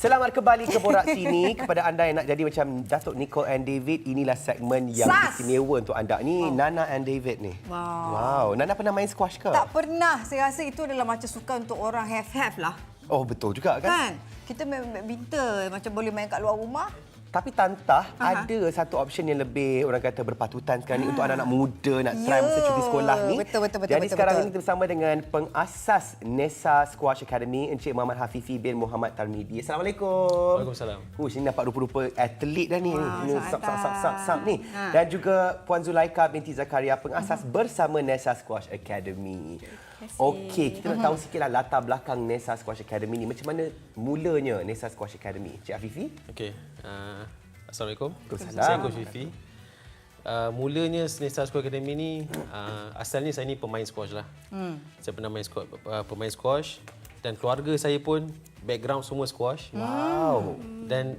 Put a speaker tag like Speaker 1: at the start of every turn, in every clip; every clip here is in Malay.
Speaker 1: Selamat kembali ke Borak Sini. Kepada anda yang nak jadi macam Datuk Nicole and David, inilah segmen yang istimewa untuk anda. Ni Nana and David ni. Wow. Nana pernah main squash ke?
Speaker 2: Tak pernah. Saya rasa itu adalah macam sukan untuk orang have-have lah.
Speaker 1: Oh, betul juga kan?
Speaker 2: Kita main badminton, macam boleh main kat luar rumah.
Speaker 1: Tapi Tantah, ada satu option yang lebih orang kata berpatutan sekarang ni untuk anak-anak muda nak try masa cuti sekolah ni.
Speaker 2: Betul.
Speaker 1: Jadi sekarang ini kita bersama dengan pengasas Nesa Squash Academy, Encik Muhammad Hafifi bin Muhammad Tarmidi. Assalamualaikum.
Speaker 3: Waalaikumsalam.
Speaker 1: Ini nampak rupa-rupa atlet dah ni.
Speaker 2: Wow,
Speaker 1: Sap ni. Dan juga Puan Zulaika binti Zakaria, pengasas bersama Nesa Squash Academy. Okey, kita nak tahu sikitlah latar belakang Nesa Squash Academy ni. Macam mana mulanya Nesa Squash Academy? Cik Hafifi?
Speaker 3: Okey. Assalamualaikum.
Speaker 1: Waalaikumsalam.
Speaker 3: Saya Coach Fifi. Mulanya Nesa Squash Academy ni, asalnya saya ni pemain squash lah. Saya pernah main squash, pemain squash, dan keluarga saya pun background semua squash.
Speaker 1: Wow.
Speaker 3: Dan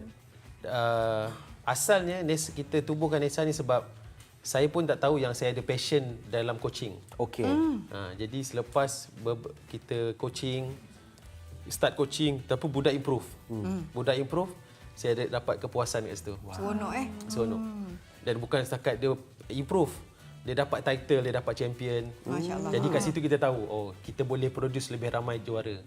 Speaker 3: asalnya kita tubuhkan Nesa ni sebab saya pun tak tahu yang saya ada passion dalam coaching.
Speaker 1: Okey.
Speaker 3: Jadi selepas kita start coaching, tapi budak improve. Budak improve, saya dapat kepuasan kat situ.
Speaker 2: Seronok
Speaker 3: Seronok. Dan bukan setakat dia improve, dia dapat title, dia dapat champion.
Speaker 2: Masya-Allah.
Speaker 3: Jadi kat situ kita tahu, kita boleh produce lebih ramai juara.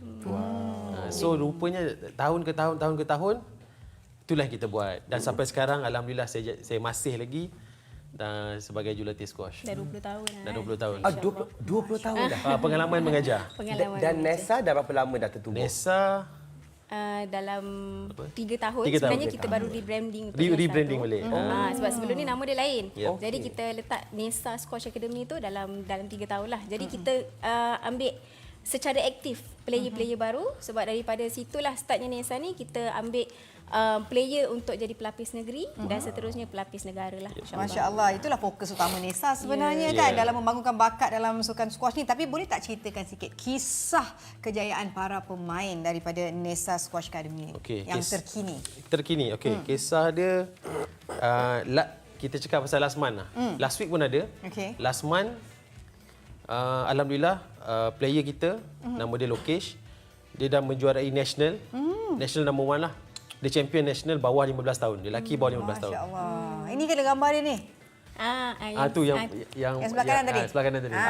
Speaker 3: So rupanya tahun ke tahun, itulah yang kita buat. Dan sampai sekarang alhamdulillah saya masih lagi dan sebagai jurulatih squash.
Speaker 4: Dah 20 tahun dah.
Speaker 3: Dah 20 tahun.
Speaker 1: 20 tahun dah.
Speaker 3: Pengalaman mengajar.
Speaker 1: Dan Nesa dah berapa lama dah tertubuh?
Speaker 3: Nesa
Speaker 4: Dalam 3 tahun.
Speaker 3: 3 tahun.
Speaker 4: Sebenarnya kita baru rebranding.
Speaker 3: Rebranding balik.
Speaker 4: Sebab sebelum ni nama dia lain.
Speaker 3: Yep.
Speaker 4: Jadi kita letak Nesa Squash Academy tu dalam 3 tahun lah. Jadi kita ambil secara aktif player-player baru, sebab daripada situlah startnya Nesa ni, kita ambil player untuk jadi pelapis negeri dan seterusnya pelapis negara lah.
Speaker 2: Masya-Allah, itulah fokus utama Nesa sebenarnya kan dalam membangunkan bakat dalam sukan squash ni. Tapi boleh tak ceritakan sikit kisah kejayaan para pemain daripada Nesa Squash Academy yang terkini?
Speaker 3: Terkini, okey. Kisah dia kita cakap pasal last month lah. Last week pun ada. Last month alhamdulillah player kita nama dia Lokesh, dia dah menjuarai national. National number 1 lah. Dia champion national bawah 15 tahun. Dia lelaki bawah 15 tahun.
Speaker 2: Masya-Allah. Ini kan gambar dia ni.
Speaker 3: Tu yang
Speaker 2: sebelah kanan tadi.
Speaker 3: Sebelah kanan tadi.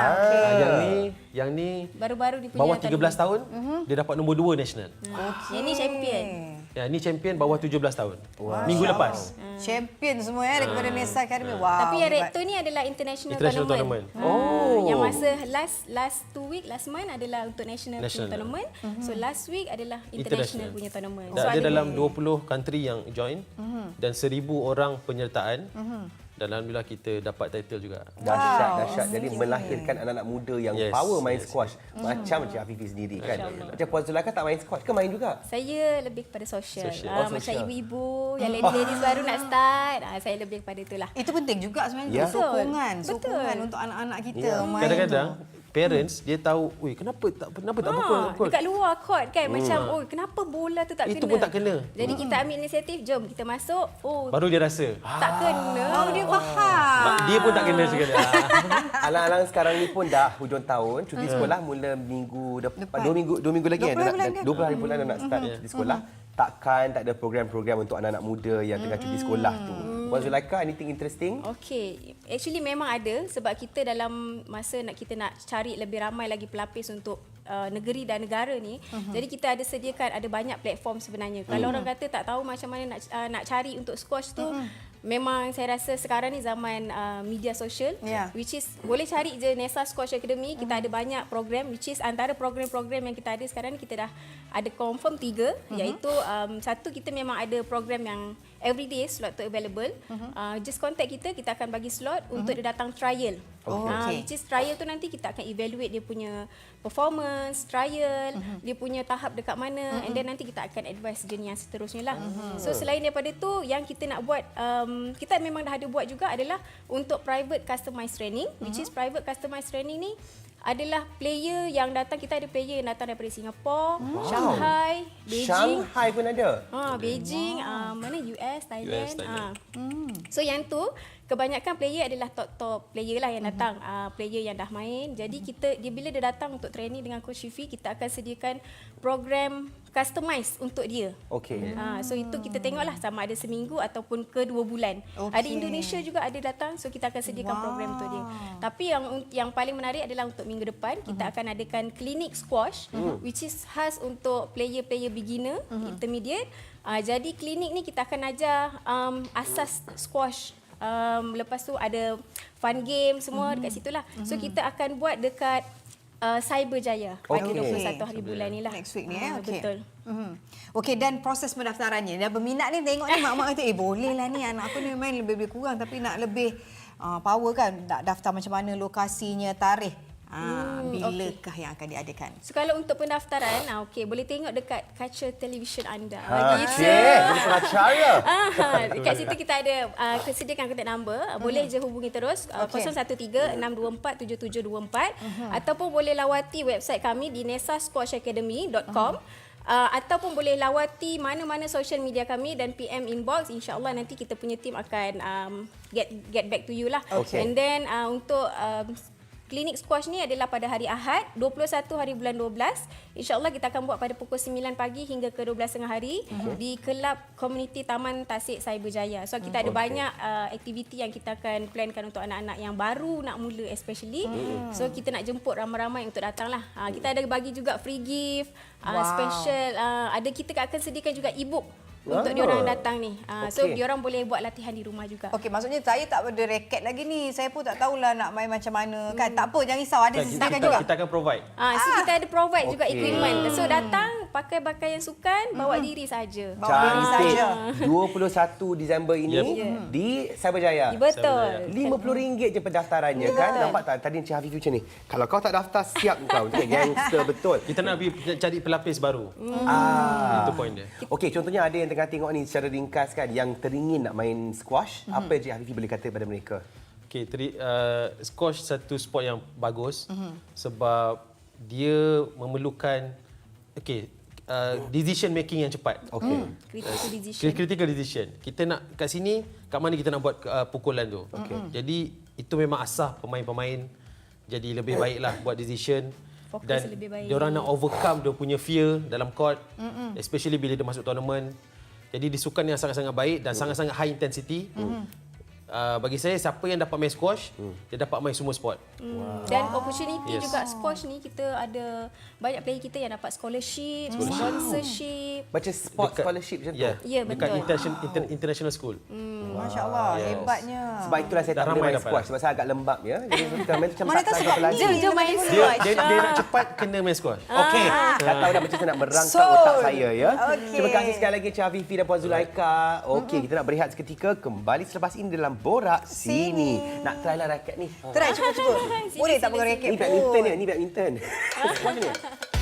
Speaker 3: Yang ni
Speaker 4: baru-baru dia punya
Speaker 3: bawah 13 tahun, dia dapat nombor 2 national.
Speaker 4: Yang ni champion.
Speaker 3: Ya, ni champion bawah 17 tahun. Minggu lepas.
Speaker 2: Champion semua daripada Nesa Academy. Wow.
Speaker 4: Tapi yang rector ni adalah international tournament. Yang masa last 2 week, last month adalah untuk national punya tournament. So last week adalah international punya tournament.
Speaker 3: So ada dalam 20 country yang join dan 1,000 orang penyertaan. Dan alhamdulillah kita dapat title juga.
Speaker 1: Dahsyat. Jadi melahirkan anak-anak muda yang power main squash. Macam Cik Hafifi sendiri kan. Macam Puan Zulaika tak main squash ke main juga?
Speaker 4: Saya lebih kepada social. Macam ibu-ibu yang ladies baru nak start, saya lebih kepada itulah.
Speaker 2: Itu penting juga sebenarnya. Sokongan untuk anak-anak kita main.
Speaker 3: Kadang-kadang parents dia tahu, kenapa tak pukul.
Speaker 4: Dekat luar court kan macam kenapa bola tu tak kena.
Speaker 3: Itu pun tak kena.
Speaker 4: Jadi kita ambil inisiatif, jom kita masuk.
Speaker 3: Baru dia rasa.
Speaker 4: Tak kena.
Speaker 2: Baru dia faham.
Speaker 3: Dia pun tak kena sekali.
Speaker 1: Alang-alang sekarang ni pun dah hujung tahun, cuti sekolah mula minggu depan. 2 minggu lagi 20 hari bulan nak start cuti sekolah. Takkan tak ada program-program untuk anak-anak muda yang tengah cuti sekolah tu. Puan Zulaika, anything interesting?
Speaker 4: Okey, actually memang ada, sebab kita dalam masa kita nak cari lebih ramai lagi pelapis untuk negeri dan negara ni. Jadi kita ada sediakan ada banyak platform sebenarnya. Kalau orang kata tak tahu macam mana nak cari untuk squash tu, memang saya rasa sekarang ni zaman media sosial, which is boleh cari je Nesa Squash Academy. Kita ada banyak program, which is antara program-program yang kita ada sekarang ni, kita dah ada confirm 3, iaitu satu, kita memang ada program yang everyday slot tu available. Just contact kita akan bagi slot untuk dia datang trial. Which is trial tu nanti kita akan evaluate dia punya performance, trial, dia punya tahap dekat mana, and then nanti kita akan advise jenis yang seterusnya lah. So selain daripada tu, yang kita nak buat, kita memang dah ada buat juga adalah untuk private customized training, which is private customized training ni adalah player yang datang. Kita ada player yang datang daripada Singapore, Shanghai, Beijing.
Speaker 1: Shanghai pun ada?
Speaker 4: Beijing, mana US, Thailand. So yang tu kebanyakan player adalah top player lah yang datang, player yang dah main. Jadi bila dia datang untuk training dengan Coach Shifi, kita akan sediakan program customize untuk dia.
Speaker 1: Okey.
Speaker 4: So itu kita tengoklah sama ada seminggu ataupun ke 2 bulan. Ada Indonesia juga ada datang, so kita akan sediakan program untuk dia. Tapi yang paling menarik adalah untuk minggu depan kita akan adakan klinik squash, which is khas untuk player-player beginner, intermediate. Jadi klinik ni kita akan ajar asas squash. Lepas tu ada fun game semua dekat situlah. So kita akan buat dekat Cyberjaya pada 21 hari bulan ni lah.
Speaker 2: Next week ni
Speaker 4: Betul.
Speaker 2: Okey, dan proses pendaftarannya. Dan berminat ni tengok ni mak-mak kata boleh lah ni anak aku ni main lebih kurang tapi nak lebih power kan, nak daftar macam mana, lokasinya, tarikh. Bilakah yang akan diadakan?
Speaker 4: So kalau untuk pendaftaran, boleh tengok dekat kaca televisyen anda.
Speaker 1: Boleh cara.
Speaker 4: Dekat situ kita ada sediakan kontak number. Boleh je hubungi terus 013-624-7724 ataupun boleh lawati website kami di nesasquashacademy.com. Ataupun boleh lawati mana-mana social media kami dan PM inbox. InsyaAllah nanti kita punya team akan get back to you lah. And then untuk klinik squash ni adalah pada hari Ahad 21 hari bulan 12. InsyaAllah kita akan buat pada pukul 9 pagi hingga ke 12 tengah hari di Kelab Komuniti Taman Tasik Cyberjaya. So kita ada banyak aktiviti yang kita akan plankan untuk anak-anak yang baru nak mula especially. So kita nak jemput ramai-ramai untuk datang lah. Kita ada bagi juga free gift, special. Kita akan sediakan juga e-book untuk diorang datang ni. So diorang boleh buat latihan di rumah juga.
Speaker 2: Okey, maksudnya saya tak ada raket lagi ni. Saya pun tak tahulah nak main macam mana kan. Tak apa, jangan risau, ada sediakan juga.
Speaker 3: Kita akan provide.
Speaker 4: So kita ada provide juga equipment. So datang pakai pakaian sukan, bawa diri saja.
Speaker 2: Bawa diri saja.
Speaker 1: 21 Disember ini di Cyberjaya.
Speaker 4: Betul.
Speaker 1: RM50 je pendaftarannya kan. Nampak tak tadi Encik Hafiz macam ni. Kalau kau tak daftar siap kau. Gangster betul.
Speaker 3: Kita nak cari pelapis baru. Itu point dia.
Speaker 1: Okey, contohnya ada yang tengah tengok ni secara ringkas kan yang teringin nak main squash, apa Encik Hafifi boleh kata pada mereka?
Speaker 3: Okey, squash satu sport yang bagus sebab dia memerlukan decision making yang cepat. Critical decision. Kita nak kat sini, kat mana kita nak buat pukulan tu. Jadi itu memang asas pemain-pemain jadi lebih baiklah buat decision.
Speaker 4: Fokus
Speaker 3: Dan
Speaker 4: lebih baik.
Speaker 3: diorang nak overcome dia punya fear dalam court, especially bila dia masuk tournament. Jadi di sukan yang sangat-sangat baik dan sangat-sangat high intensity. Bagi saya, siapa yang dapat main squash, dia dapat main semua sport.
Speaker 4: Dan opportunity juga squash ni, kita ada banyak player kita yang dapat scholarship, sponsorship.
Speaker 1: Macam sport scholarship macam tu?
Speaker 4: Ya, betul.
Speaker 3: Dekat international school.
Speaker 2: Masya Allah, hebatnya.
Speaker 1: Sebab itulah saya tak boleh main squash. Sebab saya agak lembab ya. Jadi saya main tu macam
Speaker 2: Mana tahu
Speaker 1: tak
Speaker 2: sebab
Speaker 1: lagi.
Speaker 2: jom main
Speaker 3: Dia
Speaker 2: squash.
Speaker 3: dia nak cepat kena main squash.
Speaker 1: Okey, dah tahu dah macam saya nak merangkak otak saya ya. Terima kasih sekali lagi Encik Hafifi dan Puan Zulaika. Okey, kita nak berehat seketika, kembali selepas ini dalam Borak Sini. Nak try lah raket ni.
Speaker 2: Try, cuba. Boleh tak pakai raket
Speaker 1: Ni
Speaker 2: pun?
Speaker 1: badminton ni, ni badminton. Macam ni.